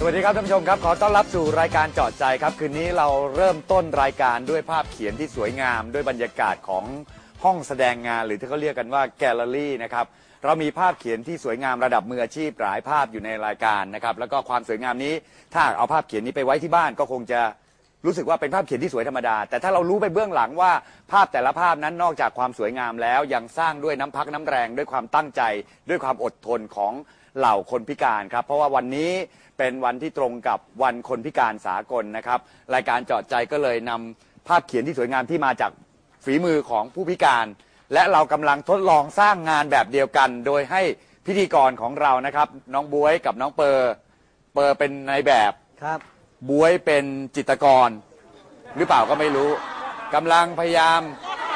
วัสดีครับท่านผู้ชมครับขอต้อนรับสู่รายการเจาะใจครับคืนนี้เราเริ่มต้นรายการด้วยภาพเขียนที่สวยงามด้วยบรรยากาศของห้องแสดงงานหรือที่เขาเรียกกันว่าแกลเลอรี่นะครับเรามีภาพเขียนที่สวยงามระดับมืออาชีพหลายภาพอยู่ในรายการนะครับแล้วก็ความสวยงามนี้ถ้าเอาภาพเขียนนี้ไปไว้ที่บ้านก็คงจะรู้สึกว่าเป็นภาพเขียนที่สวยธรรมดาแต่ถ้าเรารู้ไปเบื้องหลังว่าภาพแต่ละภาพนั้นนอกจากความสวยงามแล้วยังสร้างด้วยน้ำพักน้ำแรงด้วยความตั้งใจด้วยความอดทนของเหล่าคนพิการครับเพราะว่าวันนี้เป็นวันที่ตรงกับวันคนพิการสากลนะครับรายการเจาะใจก็เลยนำภาพเขียนที่สวยงามที่มาจากฝีมือของผู้พิการและเรากำลังทดลองสร้างงานแบบเดียวกันโดยให้พิธีกรของเรานะครับน้องบ๊วยกับน้องเปอร์เป็นนายแบบครับบ๊วยเป็นจิตรกรหรือเปล่าก็ไม่รู้กำลังพยายาม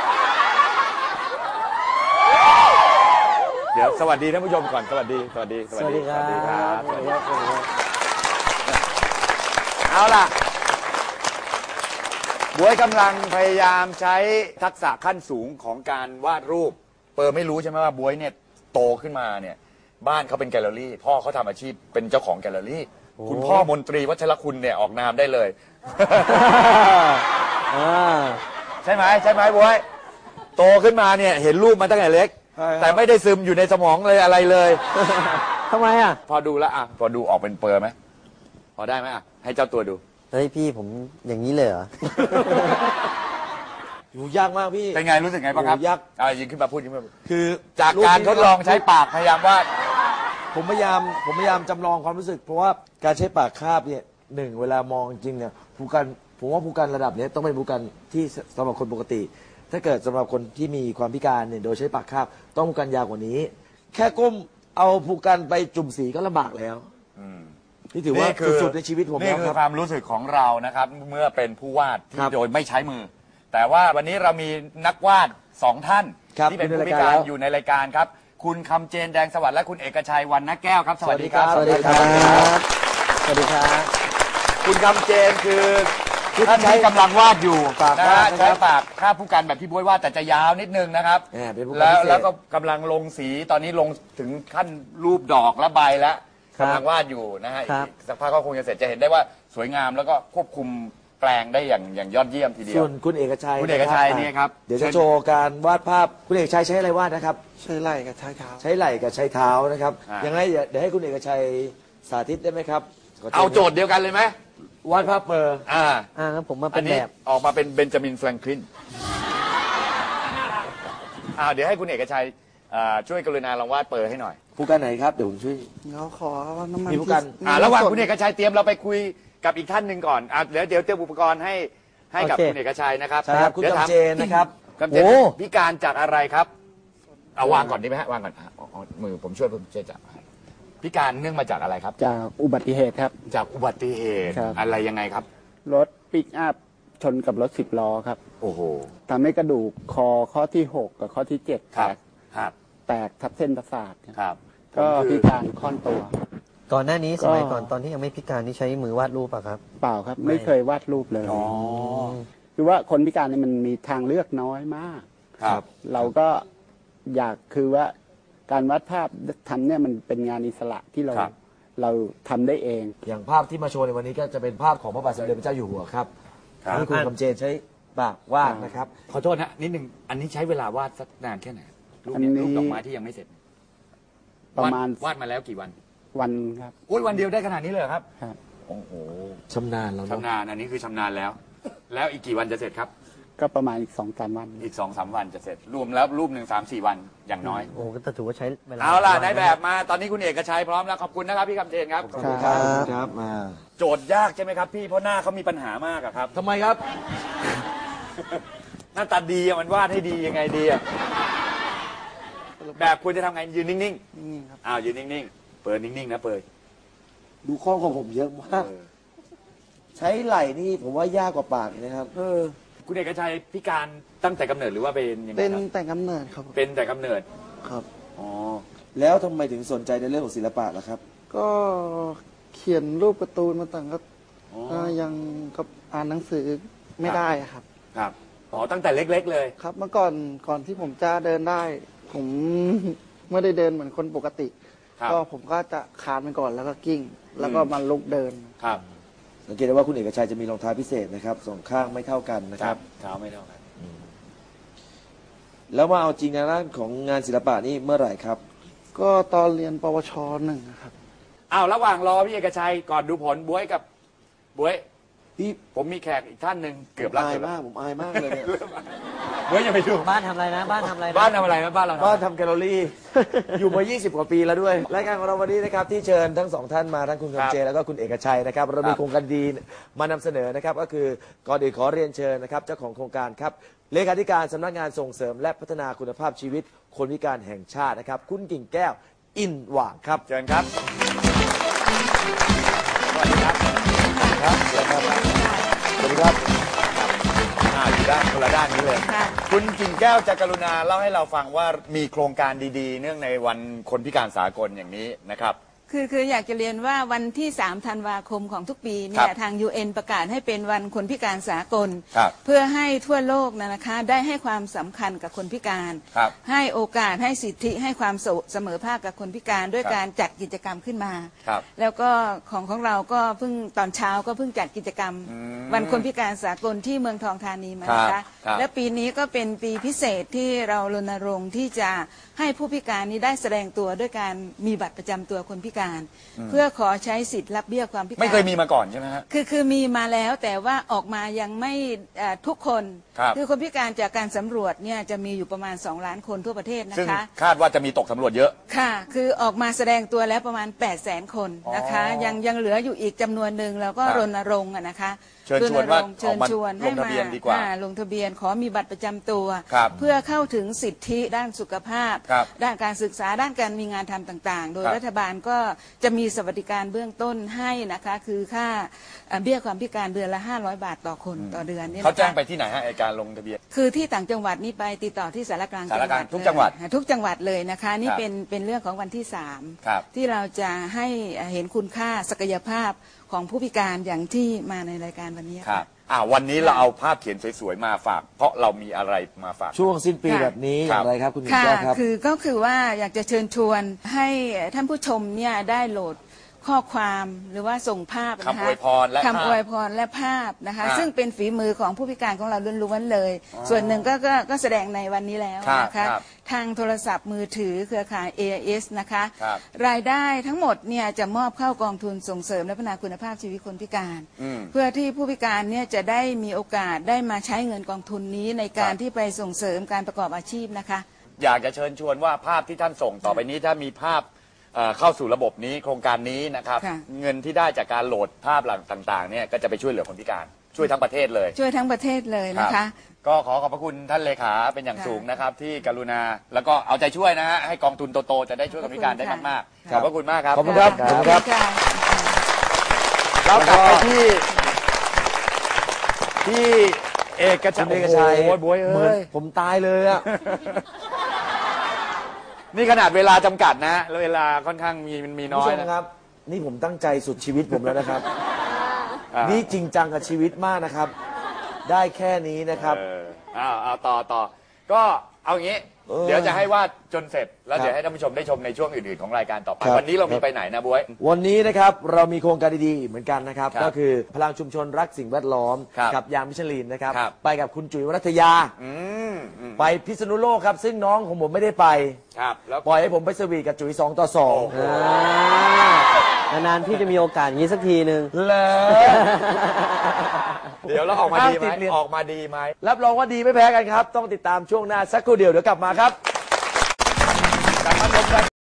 เดี๋ยวสวัสดีท่านผู้ชมก่อนสวัสดีครับสวัสดีครับเอาล่ะบ๊วยกำลังพยายามใช้ทักษะขั้นสูงของการวาดรูปเปอร์ไม่รู้ใช่ไหมว่าบ๊วยเนี่ยโตขึ้นมาเนี่ยบ้านเขาเป็นแกลเลอรี่พ่อเขาทำอาชีพเป็นเจ้าของแกลเลอรี่คุณพ่อมนตรีวัชรคุณเนี่ยออกนามได้เลยใช่ไหมบ๊วยโตขึ้นมาเนี่ยเห็นรูปมาตั้งแต่เล็กแต่ไม่ได้ซึมอยู่ในสมองเลยอะไรเลยทำไมอ่ะพอดูแล้วพอดูออกเป็นเปอร์ไหมพอได้ไหมให้เจ้าตัวดูเฮ้ยพี่ผมอย่างนี้เลยเหรออยู่ยากมากพี่เป็นไงรู้สึกไงบ้างครับยากยิงขึ้นมาพูดยิงขึ้นมาคือจากการทดลองใช้ปากพยายามวาดผมพยายามจำลองความรู้สึกเพราะว่าการใช้ปากคาบเนี่ยหนึ่งเวลามองจริงเนี่ยผมว่าผู้การระดับนี้ต้องเป็นผู้การที่สำหรับคนปกติถ้าเกิดสำหรับคนที่มีความพิการเนี่ยโดยใช้ปากคาบต้องผู้การยาวกว่านี้แค่ก้มเอาผู้การไปจุ่มสีก็ลำบากแล้วนี่ถือว่าสุดๆในชีวิตผมนี่คือความรู้สึกของเรานะครับเมื่อเป็นผู้วาดที่โดยไม่ใช้มือแต่ว่าวันนี้เรามีนักวาด2ท่านที่เป็นผู้พิการอยู่ในรายการครับคุณคำเจนแดงสวัสดิ์และคุณเอกชัย วรรณแก้วครับสวัสดีครับสวัสดีครับสวัสดีครับคุณคำเจนคือท่านที่กำลังวาดอยู่นะฮะใช้ปากคาบผู้การแบบพี่บ๊วยวาดแต่จะยาวนิดนึงนะครับแล้วก็กำลังลงสีตอนนี้ลงถึงขั้นรูปดอกและใบแล้วกำลังวาดอยู่นะฮะสักพักก็คงจะเสร็จจะเห็นได้ว่าสวยงามแล้วก็ควบคุมแปลงได้อย่างยอดเยี่ยมทีเดียวส่วนคุณเอกชัยนี่ครับเดี๋ยวจะโชว์การวาดภาพคุณเอกชัยใช้อะไรวาดนะครับใช้ไหล่กับใช้เท้าใช้ไหล่กับใช้เท้านะครับยังไงเดี๋ยวให้คุณเอกชัยสาธิตได้ไหมครับเอาโจทย์เดียวกันเลยไหมวาดภาพเปอร์งั้นผมมาเป็นแบบออกมาเป็นเบนจามินแฟรงคลินเดี๋ยวให้คุณเอกชัยช่วยกรุณาลองวาดเปอร์ให้หน่อยผู้การไหนครับเดี๋ยวผมช่วยเราขอน้ำมันมีผู้การระหว่างคุณเอกชัยเตรียมเราไปคุยกับอีกท่านหนึ่งก่อนเดี๋ยวเตรียมอุปกรณ์ให้กับคุณเอกชัยนะครับใช่ครับคุณคำเจนนะครับพิการจากอะไรครับเอาวางก่อนดีไหมฮะวางก่อนมือผมช่วยจับพิการเนื่องมาจากอะไรครับจากอุบัติเหตุครับจากอุบัติเหตุอะไรยังไงครับรถปิกอัพชนกับรถ10 ล้อครับโอ้โหทำให้กระดูกคอข้อที่6กับข้อที่7แตกทับเส้นประสาทครับก็พิการค่อนตัวก่อนหน้านี้สมัยก่อนตอนที่ยังไม่พิการนี่ใช้มือวาดรูปป่ะครับเปล่าครับไม่เคยวาดรูปเลยคือว่าคนพิการนี่มันมีทางเลือกน้อยมากครับเราก็อยากคือว่าการวาดภาพทำเนี่ยมันเป็นงานอิสระที่เราทำได้เองอย่างภาพที่มาโชว์ในวันนี้ก็จะเป็นภาพของพระบาทสมเด็จพระเจ้าอยู่หัวครับนี่คุณคำเจนใช้ปากวาดนะครับขอโทษนะนิดนึงอันนี้ใช้เวลาวาดสักนานแค่ไหนรูปดอกไม้ที่ยังไม่เสร็จประมาณวาดมาแล้วกี่วันครับโอ้ยวันเดียวได้ขนาดนี้เลยครับครับโอ้โหชำนาญแล้วชำนาญอันนี้คือชำนาญแล้วอีกกี่วันจะเสร็จครับก็ประมาณอีก2-3 วันอีก2-3 วันจะเสร็จรวมแล้วรูป1 3-4 วันอย่างน้อยโอ้ก็ถือว่าใช้เวลาเอาล่ะนายแบบมาตอนนี้คุณเอกชัยพร้อมแล้วขอบคุณนะครับพี่คำเจนครับขอบคุณครับมาโจทย์ยากใช่ไหมครับพี่เพราะหน้าเขามีปัญหามากครับทำไมครับหน้าตาดีมันวาดให้ดียังไงดีแบบควรจะทำไงยืนนิ่งๆครับยืนนิ่งๆเปิดนิ่งๆนะเปิดดูข้อของผมเยอะมากใช้ไหล่นี่ผมว่ายากกว่าปากนะครับคุณเอกชัยพิการตั้งแต่กำเนิดหรือว่าเป็นยังไงเป็นแต่กำเนิดครับเป็นแต่กำเนิดครับแล้วทำไมถึงสนใจในเรื่องของศิลปะล่ะครับก็เขียนรูปการ์ตูนมาต่างก็ยังกับอ่านหนังสือไม่ได้ครับตั้งแต่เล็กๆเลยครับเมื่อก่อนที่ผมจะเดินได้ผมไม่ได้เดินเหมือนคนปกติครับก็ผมก็จะคานไปก่อนแล้วก็กิ้ง แล้วก็มาลุกเดินครับสังเกตได้ว่าคุณเอกชัยจะมีรองเท้าพิเศษนะครับสองข้างไม่เท่ากันนะครับเท้าไม่เท่ากันแล้วมาเอาจริงในด้านของงานศิลปะนี่เมื่อไหร่ครับก็ตอนเรียนปวช1นะครับอ้าวระหว่างรอพี่เอกชัยก่อนดูผลบ๊วยกับบ๊วยพี่ผมมีแขกอีกท่านหนึ่งเกือบรัอายเกือบรัมากผมอายมากเลยเนี่ยบ๊วยอย่าไปดูบ้านทำอะไรนะ บ้านทำอะไรนะบ้านทำอะไรนะบ้านเราบ้านทำแคลอรี่ อยู่มา 20 กว่าปีแล้วด้วย รายการของเราวันนี้นะครับที่เชิญทั้งสองท่านมาทั้งคุณคำเจแล้วก็คุณเอกชัยนะครับเรามีโครงการดีมานำเสนอนะครับก็คือก่อนอื่นขอเรียนเชิญนะครับเจ้าของโครงการครับเลขาธิการสำนักงานส่งเสริมและพัฒนาคุณภาพชีวิตคนพิการแห่งชาตินะครับคุณกิ่งแก้วอินหว่างครับเชิญครับสวัสดีครับครับสวัสดีครับสวัสดีครับอยู่ด้านคนละด้านนี้เลยค่ะคุณกิ่งแก้วจะกรุณาเล่าให้เราฟังว่ามีโครงการดีๆ เนื่องในวันคนพิการสากลอย่างนี้นะครับคืออยากจะเรียนว่าวันที่ 3 ธันวาคมของทุกปีเนี่คยรับทาง UN ประกาศให้เป็นวันคนพิการสากลครับเพื่อให้ทั่วโลกนะคะได้ให้ความสำคัญกับคนพิการครับให้โอกาสให้สิทธิให้ความเสมอภาคกับคนพิการด้วยครับการจัดกิจกรรมขึ้นมาครับแล้วก็ของเราก็เพิ่งตอนเช้าก็เพิ่งจัดกิจกรรม วันคนพิการสากลที่เมืองทองธานีมานะครัคะบครับและปีนี้ก็เป็นปีพิเศษที่เรารณรงค์ที่จะให้ผู้พิการนี้ได้แสดงตัวด้วยการมีบัตรประจำตัวคนพิการ เพื่อขอใช้สิทธิ์รับเบี้ยความพิการไม่เคยมีมาก่อนใช่ไหมฮะคือมีมาแล้วแต่ว่าออกมายังไม่ทุกคนครับอคนพิการจากการสำรวจเนี่ยจะมีอยู่ประมาณ2 ล้านคนทั่วประเทศนะซึ่งคะคาดว่าจะมีตกสำรวจเยอะค่ะ คือออกมาแสดงตัวแล้วประมาณ 800,000 คนนะคะอ๋อยังเหลืออยู่อีกจำนวนหนึ่งแล้วก็ครับรณรงค์อะนะคะเชิญชวนว่ารณรงค์เชิญชวนออกมาลงทะเบียนดีกว่าลงทะเบียนขอมีบัตรประจำตัวครับเพื่อเข้าถึงสิทธิด้านสุขภาพครับด้านการศึกษาด้านการมีงานทำต่างๆ โดยครับรัฐบาลก็จะมีสวัสดิการเบื้องต้นให้นะคะ คือค่าเบี้ยความพิการเดือนละ500 บาทต่อคนต่อเดือนเนี่ยนะคะเขาแจ้งไปที่ไหนฮะไอการลงทะเบียนคือที่ต่างจังหวัดนี่ไปติดต่อที่สารกลางสารกลางทุกเลยจังหวัดทุกจังหวัดเลยนะคะ นี่ครับเป็นเรื่องของวันที่ครับ 3 ที่เราจะให้เห็นคุณค่าศักยภาพของผู้พิการอย่างที่มาในรายการวันนี้ครัค่ะบวันนี้เราเอาภาพเขียนสวยๆมาฝาก เพราะเรามีอะไรมาฝากช่วงสิ้นปีค่ะแบบนี้อครัย่าบงไรครับคุณกิ่งค่ะแก้วครับก็คือว่าอยากจะเชิญชวนให้ท่านผู้ชมเนี่ยได้โหลดข้อความหรือว่าส่งภาพนะคะคำอวยพรและภาพคำอวยพรและภาพนะคะอ่าซึ่งเป็นฝีมือของผู้พิการของเราล้วนๆเลย ส่วนหนึ่งก็แสดงในวันนี้แล้วครับนะคะครับทางโทรศัพท์มือถือเครือข่าย AIS นะคะครับรายได้ทั้งหมดเนี่ยจะมอบเข้ากองทุนส่งเสริมและพัฒนาคุณภาพชีวิตคนพิการอืมเพื่อที่ผู้พิการเนี่ยจะได้มีโอกาสได้มาใช้เงินกองทุนนี้ในการครับที่ไปส่งเสริมการประกอบอาชีพนะคะอยากจะเชิญชวนว่าภาพที่ท่านส่งต่อไปนี้ถ้ามีภาพเข้าสู่ระบบนี้โครงการนี้นะครับค่ะเงินที่ได้จากการโหลดภาพหลังต่างๆเนี่ยก็จะไปช่วยเหลือคนพิการช่วยทั้งประเทศเลยช่วยทั้งประเทศเลยนะครัคะบก็ขอขอบพระคุณท่านเลขาเป็นอย่างค่ะสูงนะครับ ที่กรุณาแล้วก็เอาใจช่วยนะฮะให้กองทุนโตๆจะได้ช่วยคนพิการได้มากๆขอบพระคุณมากครับขอบคุณครับขอบคุณค่ะเรากลับไปที่เอกชัคุยณเอกชัยโอ้โหบวยเหมือนเอ้ยผมตายเลยอะนี่ขนาดเวลาจำกัดนะแล้วเวลาค่อนข้างมีคุณน้อผู้ยชมนะครับนี่ผมตั้งใจสุดชีวิตผมแล้วนะครับอ่านี่จริงจังกับชีวิตมากนะครับ ได้แค่นี้นะครับเอาต่อก็เอาอย่างนี้ เดี๋ยวจะให้วาดจนเสร็จ แล้วครับเดี๋ยวให้ท่านผู้ชมได้ชมในช่วงอื่นๆของรายการต่อไปครับวันนี้เรามีไปไหนนะบ๊วยวันนี้นะครับเรามีโครงการดีๆเหมือนกันนะครับครับก็คือพลังชุมชนรักสิ่งแวดล้อมครับกับยางมิชลินนะครับครับไปกับคุณจุ๋ยวรัตยาอืมไปพิษณุโลกครับ ซึ่งน้องของผมไม่ได้ไปครับแล้วปล่อยให้ผมไปสวีทกับจุ๋ย2 ต่อโอ้โหนานๆพี่จะมีโอกาสอย่างนี้สักทีหนึ่ง 2เลยเดี๋ยวเราออกมาดีไหมห้ามติดเรียนออกมาดีไหมรับรองว่าดีไม่แพ้กันครับ ต้องติดตามช่วงหน้าสักครู่เดียวเดี๋ยวกลับมาครับกลับมาชมราย